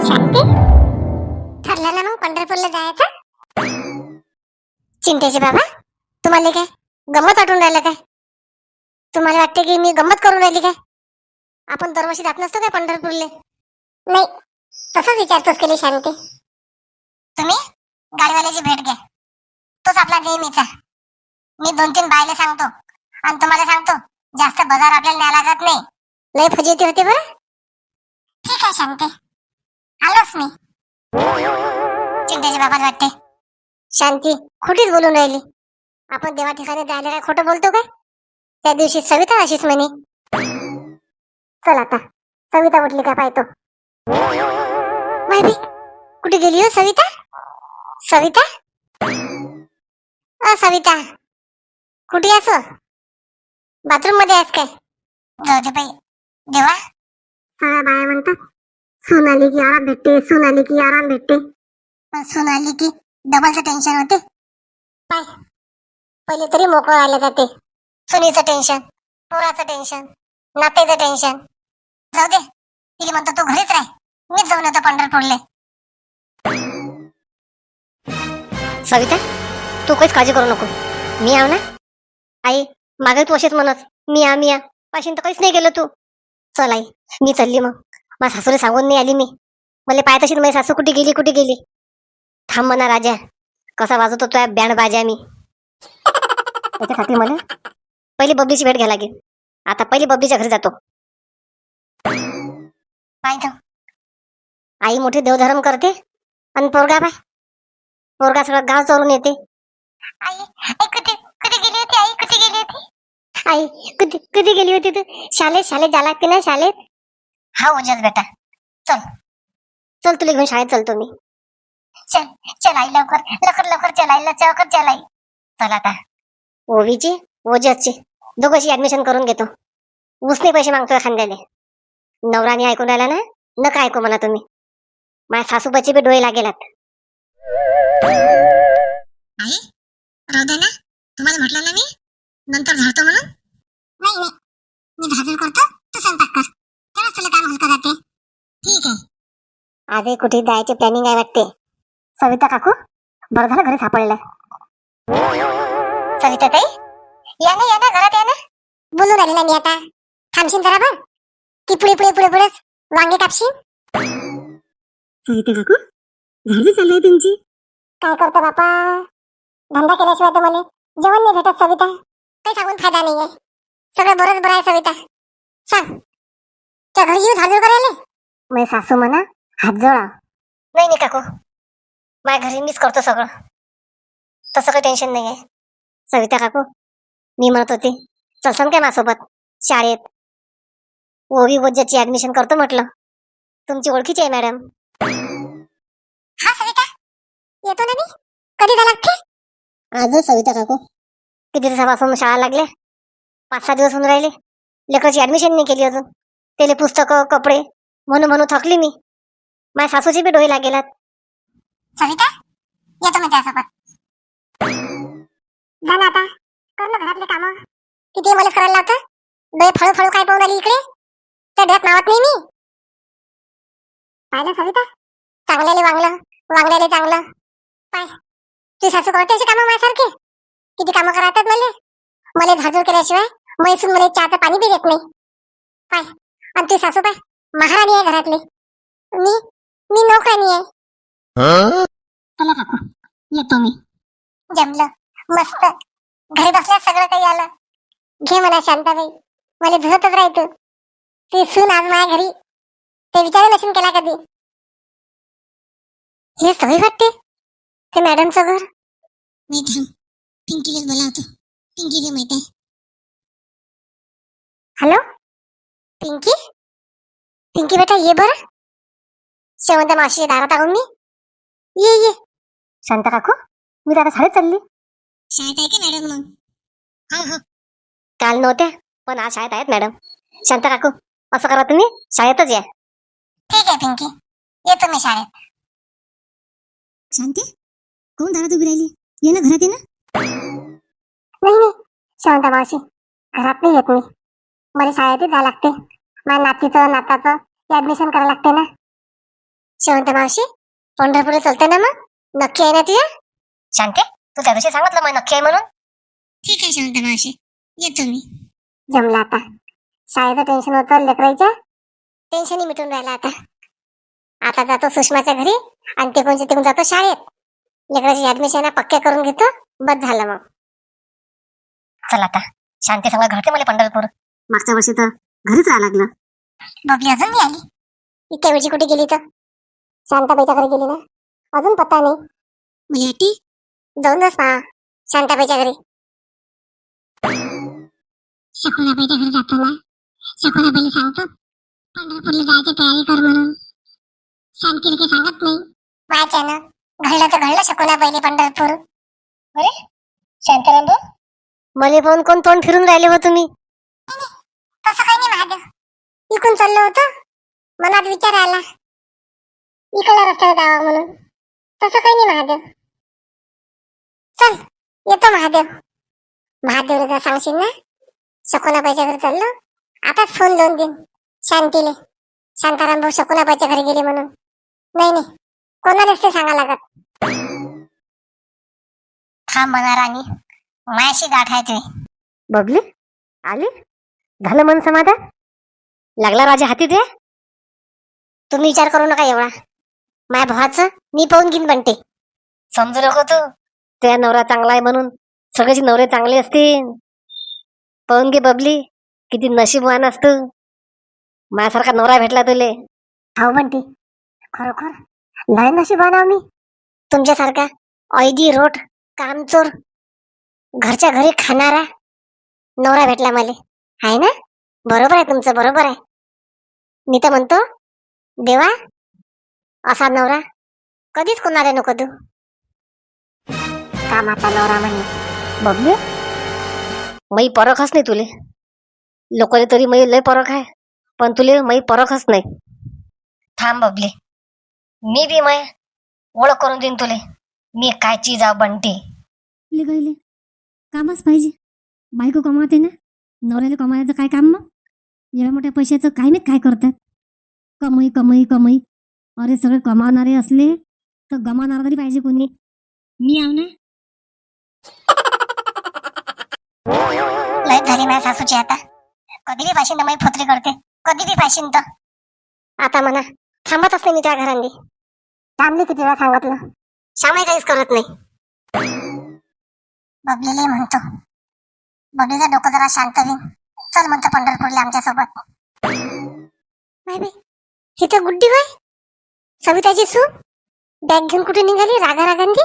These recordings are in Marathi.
शांती, ठरलं ना मग पंढरपूरला जायचं? चिंतेचे बाबा, तुम्हाला काय गंमत वाटून राहिलं काय? तुम्हाला वाटते की मी गंमत करून राहिली काय? आपण दरवर्षी जात नसतो काय पंढरपूरले? नाही, तसंच विचारतोस केली शांती. तुम्ही गाडीवाल्याची भेट घ्या, तोच आपला नेहमीचा. मी 2-3 बायला सांगतो आणि तुम्हाला सांगतो, जास्त बाजार आपल्याला न्याय लागत नाही. लय फजिती होते बरं. ठीक आहे शांती, आलोच मी. चिंतेचे बाबा वाटते शांती खोटीच बोलून राहिली. आपण देवा ठिकाणी जायला काय खोटं बोलतो काय? त्या दिवशी सविता अशीच म्हणे. चल आता सविता उठली का पाहतो. माहिती कुठे गेली हो सविता? सविता, सविता कुठे आहेस? बाथरूम मध्ये आहेस काय? जाऊ दे बाई, देवा सगळ्या बाया म्हणतात सून आली की आराम भेटते, सून आली की आराम भेटते. पण सून आली की डबलचं टेन्शन होते. पाय, पहिले तरी मोकळं राहिलं जाते. सुनीचं टेन्शन, पोराचं टेन्शन, नातेचं टेन्शन. जाऊ दे, तिला म्हणतो तू घरीच राह, मीच जाऊन येतो पंढरपूरले. सविता, तू काहीच काळजी करू नको, मी आव ना. आई मागे तू असेच म्हणत मी या पाशीन तर काहीच नाही गेलो तू. चल आई, मी चालली मग. माझ्या सासूला सांगून नाही आली मी. मला पाहत अशी माझी सासू कुठे गेली. थांब म्हणा राजा, कसा वाजवतो तो बँड बाजा मी. त्याच्यासाठी मला पहिली बबलीची भेट घ्यायला लागेल. आता पहिली बबलीच्या घरी जातो. पाहिजे आई मोठी देवधर्म करते आणि पोरगा सगळं गाव चोरून येते. आई कधी गेली होती? आई कधी गेली होती? आई कधी गेली होती तू? शाळेत जा लागते ना शाळेत. हा ओजस बेटा, चल तुला घेऊन शाळेत चलतो मी. चल आई, लवकर चल आई, लवकर चल आई. चल आता ओवीची ओजसची दोघांची ऍडमिशन करून घेतो. उसने पैसे मागतोय खांद्याने. नवराने ऐकून राहिला ना, नका ऐकू म्हणा तुम्ही. माझ्या सासूबाची बी डोळे लागेलात. आई राहू दे ना, तुम्हाला म्हटलं ना मी नंतर झाडतो म्हणून. नाही, मी झाडून करतो, तू स्वयंपाक कर, तेव्हाच तुला काम हलका जाते. ठीक आहे. आजही कुठे जायचे प्लॅनिंग आहे वाटते. सविता काकू, बरं झालं घरी सापडलं. सविता ताई, या ना घरात या ना. बोलून राहिली ना मी आता. थांबशील जरा बघ की पुढेच वांगे कापशील. सविता काकू, झाली चालू आहे तुमची. काय करतो बापा, धंदा केल्याशिवाय तर मला जेवण नाही भेटत. सविता, काही सांगून फायदा नाहीये. सगळं बरंच बरं आहे. सविता सांग, त्या घरी येऊ झाजूर करायला? माझी सासू म्हणा हात जोडा. नाही काकू, माझ्या घरी मीच करतो सगळं, तसं काही टेन्शन नाहीये. सविता काकू, मी म्हणत होते चलसान काय माझ्यासोबत शाळेत? ओवी ओजची ऍडमिशन करतो म्हटलं. तुमची ओळखीची आहे मॅडम. हा सविता, येतो ना मी. कधी जा लागते? आजच सविता काकू. किती दिवसापासून शाळा लागल्या, 5-6 दिवस होऊन राहिले. लेकराची ऍडमिशन नाही केली अजून. त्याला पुस्तकं कपडे म्हणून थकली मी. माझ्या सासूची बी डोळे लागेलात. सविता, येतो मी त्यासोबत. जा ना आता, कर ना घरातले कामं. किती मला करायला लावतं. डोळे फळू काय पाहून आली इकडे? त्या डोळ्यात नावत नाही मी. पाहिलं सविता, वांगल्याले चांगलं. पाय, तुझी सासू करते अशी कामं माझ्यासारखे? किती कामं करायतात मला झाजूर केल्याशिवाय मैसून मला चहाचं पाणी बी देत नाही. पाय, आणि तुझी सासू पाय महाराणी आहे घरातली. मी नोकरानी आहे. चला काकू, येतो मी. जमलं, मस्त. घरी बसल्या सगळं काही आलं. घे म्हणा शांताबाई, मला धुतच राहायचं. ती सून आज माझ्या घरी, ते विचार नसून केला कधी. हे सवय वाटते ते मॅडमचं घर. मी पिंकीला बोलावतो. पिंकीला माहित आहे. हॅलो पिंकी बेटा, ये बरं. शेवंत मावशीच्या दारात आहोत मी. ये शांता काकू, मी आता शाळेत चालली. शाळेत आहे का मॅडम मग? हो, काल नव्हत्या पण आज शाळेत आहेत मॅडम. शांता काकू, असं करा तुम्ही शाळेतच या. ठीक आहे पिंकी, येतो मी शाळेत. शांती, कोण दारात उभी राहिली? ये ना घरात, ये ना. नाही शांता मावशी, घरात नाही येत मी. मला शाळेतच जावं लागते. माझ्या नाताचं ऍडमिशन करायला लागते ना. शेवंत मावशी पंढरपूरला चलते ना मग? नक्की आहे ना तुझ्या? शांते, तू त्या दिवशी सांगितलं मग नक्की आहे म्हणून. ठीक आहे शेवंत मावशी, येतो मी. जमला आता. शाळेचं टेन्शन होतं लेकरायचं, टेन्शनही मिटून राहिलं आता. आता जातो सुषमाच्या घरी आणि तिकडून जातो शाळेत. लेकराची ऍडमिशन पक्क्या करून घेतो, बस झालं मग. चल आता शांती संग घडते मला पंढरपूर. मागच्या वर्षी तर घरीच राहायला लागलं. बबली अजून नाही आली. इतक्या वेळची कुठे गेली तर? शांताबाईच्या घरी गेली ना, अजून पत्ता नाही. म्हणजे जाऊनच पहा शांताबाईच्या घरी. शकुनाबाईच्या घरी जातो ना, शकुनाबाईला सांगतो पंढरपूरला जायची तयारी कर म्हणून. शांतीला काही सांगत नाही. वाच्यानं घडलं तर घडलं शकुनाबाईले पंढरपूर. अरे शांताराम भाऊ, मले पाहून कोण तोंड फिरून राहिले हो तुम्ही? तसं काही नाही महादेव, इकडून चाललो होतो, मनात विचार आला इकडल्या रस्त्यावर जावा म्हणून. तसं काही नाही महादेव. चल येतो महादेव. महादेवला जर सांगशील ना शकुनाबाईच्या घरी चाललो, आताच फोन लावून देईन शांतीले, शांताराम भाऊ शकुनाबाईच्या घरी गेले म्हणून. नाही कोणालाच ते सांगा लागत. थांब म्हणा राणी, मायाशी गाठ आहे तुम्ही. बबली आली, झालं मन समाधान? लागला राजा हाती ते? तुम्ही विचार करू नका एवढा. माझ्या भावाचं मी पाहून घेईन बनते. समजू नको तू, त्या नवरा चांगला आहे म्हणून सगळ्याची नवरे चांगले असतील. पाहून घे बबली, किती नशीबवान असतो, माझ्यासारखा नवरा भेटला तुले. हो म्हणते, खरोखर लय नशीबवान आहो मी. तुमच्यासारखा ऐदी रोट कामचोर घरच्या घरी खाणारा नवरा भेटला मला. आहे ना? बरोबर आहे तुमचं, बरोबर आहे. मी तर म्हणतो देवा असा नवरा कधीच कोणाला नको देऊ. कामाचा नवरा म्हणे. बबली मै परखच नाही तुले. लोकांनी तरी मै लय परख आहे, पण तुले मै परखच नाही. थांब बबली, मी बी मै ओळख करून देईन तुले, मी काय चीज आव बनते. गईले कामच पाहिजे. बायको कमावते ना, नवऱ्याला कमावायचं काय काम मग? एवढ्या मोठ्या पैशाचं काय नाही काय करतात. कमाई कमाई कमाई. अरे सगळे कमावणारे असले तर गमावणारा तरी पाहिजे कोणी. मी आव ना. लय झाली माझ्या सासूची आता. कधी बी पाशीन मी फोतरी करते, कधी बी पाशीन तर. आता म्हणा थांबत असते मी त्या घरांनी. थांबली किती वेळा सांगितलं, श्यामही काहीच करत नाही. बबलीला म्हणतो, बबलीचं डोकं जरा शांत होईन, चल म्हणतो पंढरपूरला आमच्या सोबत. ही तर गुड्डी बाई सविताची सून बॅग घेऊन कुठे निघाली रागा रागांनी.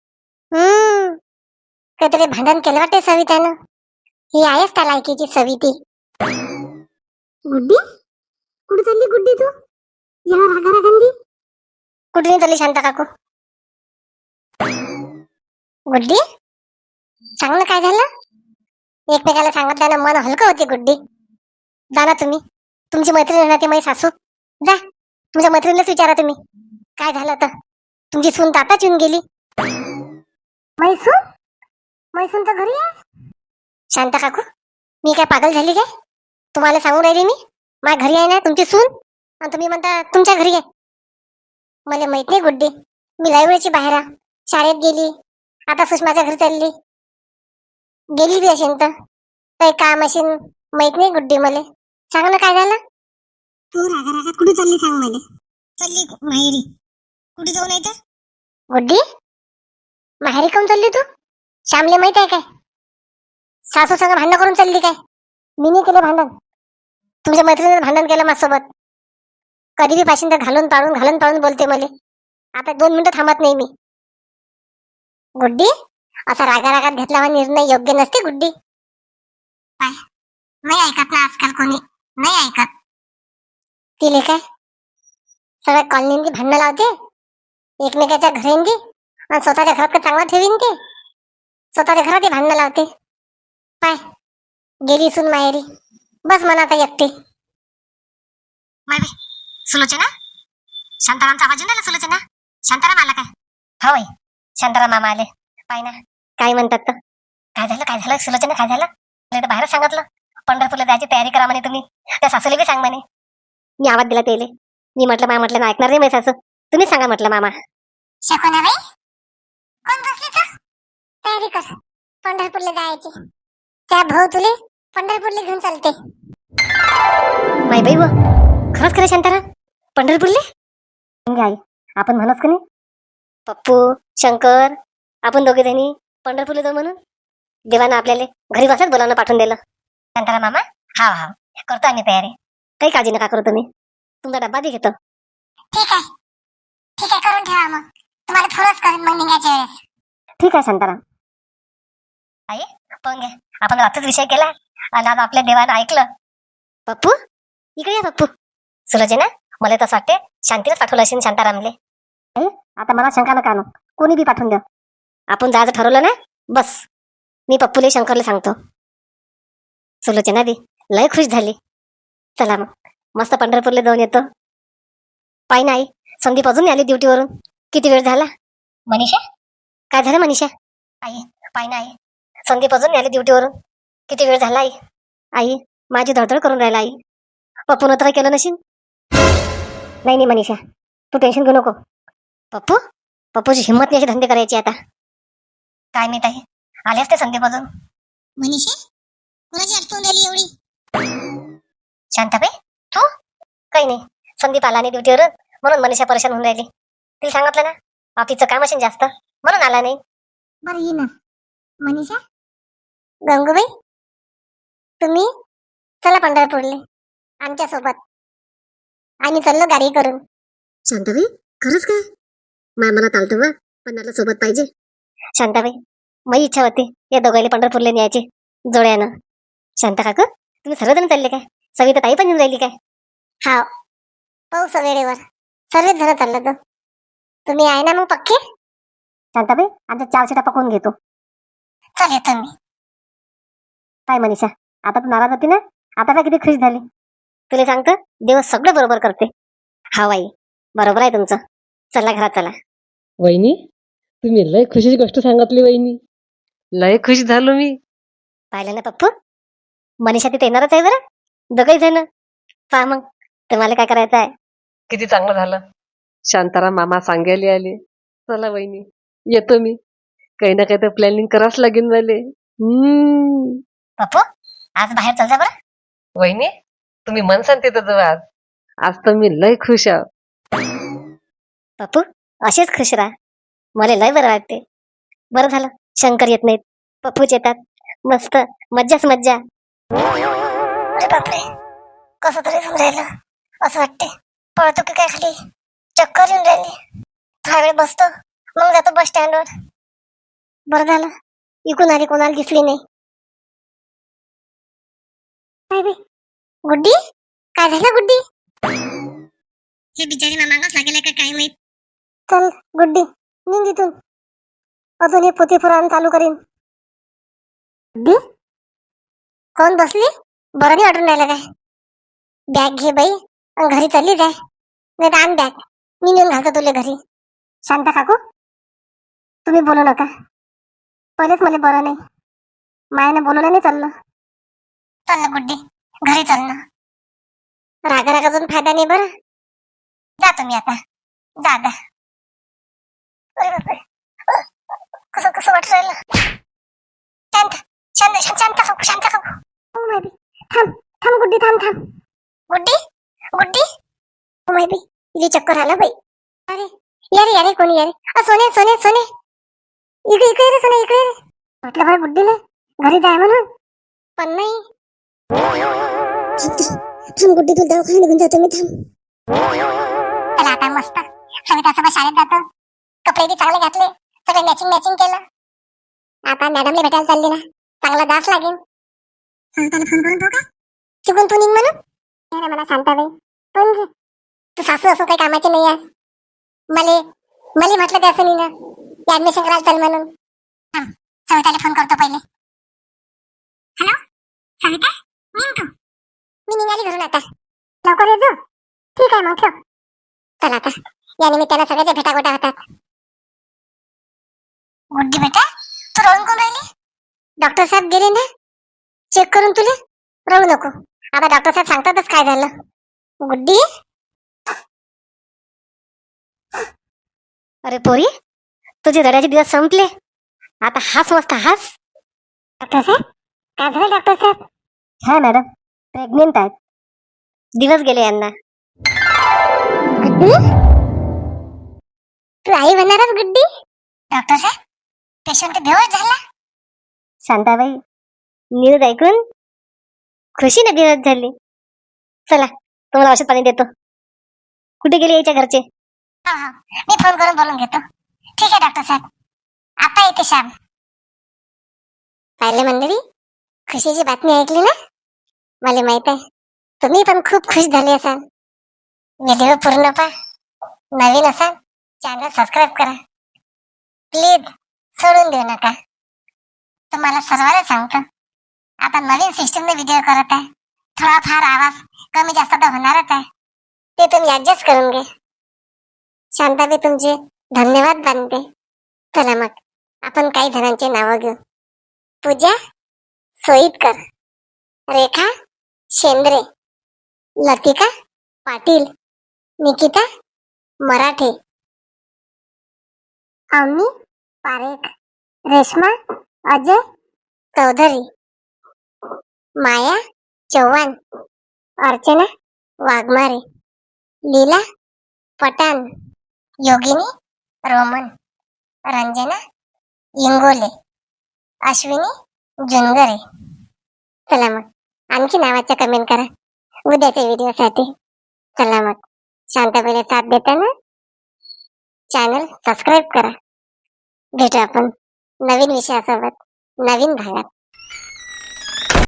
काहीतरी भांडण केलं वाटते सवितानं. ही आहेच त्या लायकीची सविती. गुड्डी कुठे चालली गुड्डी तू? या रागा रागांनी कुठे नाही चालली शांता काकू. गुड्डी सांग ना काय झालं? एकमेकाला सांगितल्यानं मन हलकं होते गुड्डी. जा ना तुम्ही, तुमची मैत्रीण ना ती माझी सासू, जा तुमच्या मैत्रिणीलाच विचारा तुम्ही काय झालं तर. तुमची सून तर आताच येऊन गेली. मैसून तर घरी आहे. शांता काकू मी काय पागल झाली काय? तुम्हाला सांगून राहिली मी, माझ्या घरी आहे ना तुमची सून, आणि तुम्ही म्हणता तुमच्या घरी आहे. मला माहित नाही गुड्डी, मी लय वेळची बाहेर आहे, शाळेत गेली, आता सुषमाच्या घरी चालली. गेली बी असेल तर काही काम असेल, माहित नाही गुड्डी. मला सांग ना काय झालं? तू रागा रागात कुठे चालली सांग मला. चालली माहेरी. कुठे जाऊन येते गुड्डी? माहेरी काऊन चालली तू? श्यामले माहित आहे काय? सासू संग भांडण करून चालली काय? मी नाही केलं भांडण, तुमच्या मैत्रिणीने भांडण केलं माझ्यासोबत. कधी बी पाशीन तर घालून पाळून बोलते मला. आता 2 मिनिटं थांबत नाही मी. गुड्डी असा रागा रागात घेतला हा निर्णय योग्य नसते गुड्डी. नाही ऐकत ना आजकाल कोणी, नाही ऐकत. तिले काय सगळ्या कॉलनींनी भांडणं लावते एकमेकाच्या घरेंनी, आणि स्वतःच्या घरात चांगला ठेवीन ते, स्वतःच्या घरात भांडणं लावते. पाय गेली सून माहेरी, बस म्हणा आता एकटी. सुलोचना, शांतारामचा आवाज येऊन राहिला. सुलोचना, शांताराम आला काय? हो बाई शांताराम मामा आले. पाय ना काय म्हणतात तर. काय झालं सुलोचना, काय झालं? मला तर बाहेरच सांगितलं पंढरपूरला जायची तयारी करा म्हणे तुम्ही. त्या सासूला बी सांग म्हणे. मी आवाज दिला त्याले, मी म्हटलं ना ऐकणार नाही माझी सासू. तुम्ही सांगा म्हटलं मामा. शकुनाबाई, कोण बसली तर तयारी कर पंढरपूरला जायची. त्या भाऊ तुले पंढरपूरला घेऊन चालते. माई बाई व खरंच खरं शांताराम पंढरपूरले? म्हणजे आई आपण म्हणत का नाही पप्पू शंकर आपण दोघे जणी पंढरपूरला जाऊ म्हणून देवानं आपल्याला घरी बसल्याच बोलावणं पाठवून दिलं. शांताराम मामा हा हा करतो आम्ही तयारी. काही काळजी नका करू तुम्ही. तुमचा डब्बा बी घेतो. ठीक आहे, ठीक आहे, करून ठेवा. मग तुम्हाला फोनच करेन मग निघायच्या वेळेस. ठीक आहे शांताराम. आई पाहून घ्या आपण रात्रच विषय केला आणि आज आपल्या देवानं ऐकलं. पप्पू इकडे या पप्पू. सुलोचना मला तसं वाटते शांतीलाच पाठवलं असेल शांतारामले. आता मला शंका नका आणू. कोणी बी पाठवून द्या. आपण जायचं ठरवलं ना बस. मी पप्पूले शंकरले सांगतो. सुलोचना बी लय खुश झाली. चला मग मस्त पंढरपूरला जाऊन येतो. पाय नाही संदीप अजून आली ड्युटीवरून. किती वेळ झाला. मनीषा काय झालं मनीषा? आई पाय नाही संदीप अजून आली ड्युटीवरून. किती वेळ झाला आई. आई माझी धडधड करून राहिला आई. पप्पून तर काही केलं नशील. नाही नाही मनीषा तू टेन्शन घेऊ नको. पप्पू पप्पूची हिंमत नाही अशी धंदे करायची आता. काय माहित आहे आले असते संदीप अजून. मनीषा कुणाची आठवण आली एवढी? शांताबाई तू? काही नाही संदीप आला नाही ड्युटीवरून म्हणून मनीषा परेशान होऊन राहिली. तिला सांगितलं ना ऑफिसचं काम असेल जास्त म्हणून आला नाही. बरं ये ना मनीषा. गंगूबाई तुम्ही चला पंढरपूरले आमच्या सोबत. आम्ही चाललो गाडी करून. शांताबाई खरंच काय? मला चालतं वा पण मला सोबत पाहिजे. शांताबाई माझी इच्छा होती या दोघांनी पंढरपूरला न्यायची जोड्यानं. शांता काकू तुम्ही सर्वजण चालले काय? सविता ताई पण येऊन राहिली काय? हा पाऊस वेळेवर सर्वच जण चाललं तर तुम्ही आहे ना मग पक्के? शांताबाई आमच्या 4 सीटा पकवून घेतो. चल येतो मी. काय मनीषा आता तू नाराज होती ना. आता काय किती खुश झाली. तुला सांगतं देव सगळं बरोबर करते. हा बाई बरोबर आहे तुमचं. चला घरात चला. वहिनी तुम्ही लय खुशीची गोष्ट सांगितली वहिनी. लय खुश झालो मी. पाहिलं ना पप्पू मनीषा तिथे येणारच आहे बरं. दोघही जण पहा मग तुम्हाला काय करायचं आहे. किती चांगलं झालं. शांताराम मामा सांगायला आले. चला वहिनी येतो मी. काही ना काही तर प्लॅनिंग करावंच लागेल मला. पप्पू आज बाहेर चल जा बरं. वहिनी तुम्ही मन सांगते तर आज. आज तर मी लय खुश आहे. पप्पू असेच खुश राहा. मला लय बरं वाटते. बरं झालं शंकर येत नाहीत पप्पूच येतात. मस्त मज्जाच मज्जा. अरे बापरे कसं तरी समजायला असं वाटते पळतो की काय खाली. चक्कर येऊन राहिली. थोडा वेळ बसतो मग जातो बस स्टँडवर. बरं झालं इकून आली कोणाला दिसली नाही. काय बे गुड्डी काय झालं गुड्डी? हे बिचारी मागाच लागेल का काय माहित. चल गुड्डी निघ इथून. अजून हे पोती पुराण चालू करीन. गुड्डी कोण बसली? बरं नाही वाटून राहिलं काय? बॅग घे बाई आणि घरी चालली जाय. नाही तर आण बॅग मी नेऊन घालतो तुला घरी. शांता काकू तुम्ही बोलू नका. पहिलेच मला बरं नाही. मायाने बोलवलं नाही चाललं. चल ना गुड्डी घरी चल ना. रागा रागाजून फायदा नाही बरं. जातो मी आता. जा जा. अरे बापरे कसं कसं वाटू राहिलं. शांत शांत शांत काकू शांत काकू. ओ माय बी थांब थांब गुड्डी थांब थांब. गुड्डी गुड्डी ओ माय बी इथे चक्कर आला बाई. अरे यारे यारे कोणी यारे सोने सोने सोने इकडे इकडे रे सोने इकडे रे. म्हटलं बरं गुड्डीला घरी जाय म्हणून पण नाही. थांब गुड्डी तू दवाखान्यात निघून जातो मी थांब. चला आता मस्त सवितासोबत शाळेत जातो. कपडे बी चांगले घातले. सगळे मॅचिंग मॅचिंग केलं. आता मॅडमला भेटायला चालली ना चांगला दास लागेल. सविताला फोन करून पाहू का? चुकून तू निघ म्हणून. नाही ना मला शांताबाई पण तू सासू असं काही कामाची नाही आहे. मला म्हटलं त्याचं नाही ना ऍडमिशन करायला चल म्हणून. सविताला फोन करतो पहिले. हॅलो सविता निघ तू. मी निघाली घरून आता. लवकर ये जा. ठीक आहे मग ठेव. चला आता या निमित्तानं सगळ्याच्या भेटागोटा होतात. गुड्डी बेटा तू रडून कोण राहिली? डॉक्टर साहेब गेले ना चेक करून तुला. रडू नको आता डॉक्टर साहेब सांगतातच काय झालं. गुड्डी अरे पोरी, तुझे रडायचे दिवस संपले. आता हास मस्त हास. डॉक्टर साहेब काय झालं डॉक्टर साहेब? हा मॅडम, प्रेग्नेंट आहेत. दिवस गेले यांना. गुड्डी तू आई होणारच गुड्डी. डॉक्टर साहेब पेशंट बेहोश झाला. शांताबाई, न्यूज ऐकून खुशीने बेहोश झाली. चला, तुम्हाला औषध पाणी देतो. कुठे गेले याच्या घरचे? हा हा मी फोन करून बोलून घेतो. ठीक आहे डॉक्टर साहेब, आता येते श्याम. पाहिले मंडळी, खुशीची बातमी ऐकली ना? मला माहित आहे तुम्ही पण खूप खुश झाले असाल. व्हिडिओ पूर्ण पहा. नवीन असाल चॅनल सबस्क्राईब करा प्लीज, सोडून देऊ नका. तुम्हाला सर्वांना सांगतो, आता नवीन सिस्टमने व्हिडिओ करत आहे. थोडाफार आवाज कमी जास्त तर होणारच आहे, ते तुम्ही ऍडजस्ट करून घे. शांताबाई तुमचे धन्यवाद मानते. चला मग आपण काही जणांचे नावं घेऊ. पूजा सोईतकर, रेखा शेंद्रे, लतिका पाटील, निकिता मराठे, अवनी पारेख, रेश्मा अजय चौधरी, माया चव्हाण, अर्चना वाघमारे, लीला पठाण, योगिनी रोमन, रंजना इंगोले, अश्विनी जुनगरे. चला मग आणखी नावाच्या कमेंट करा उद्याच्या व्हिडिओसाठी. चला मग शांताबाईला साथ देताना चॅनल सबस्क्राईब करा. भेटू आपण नवीन विषयासोबत नवीन भागात.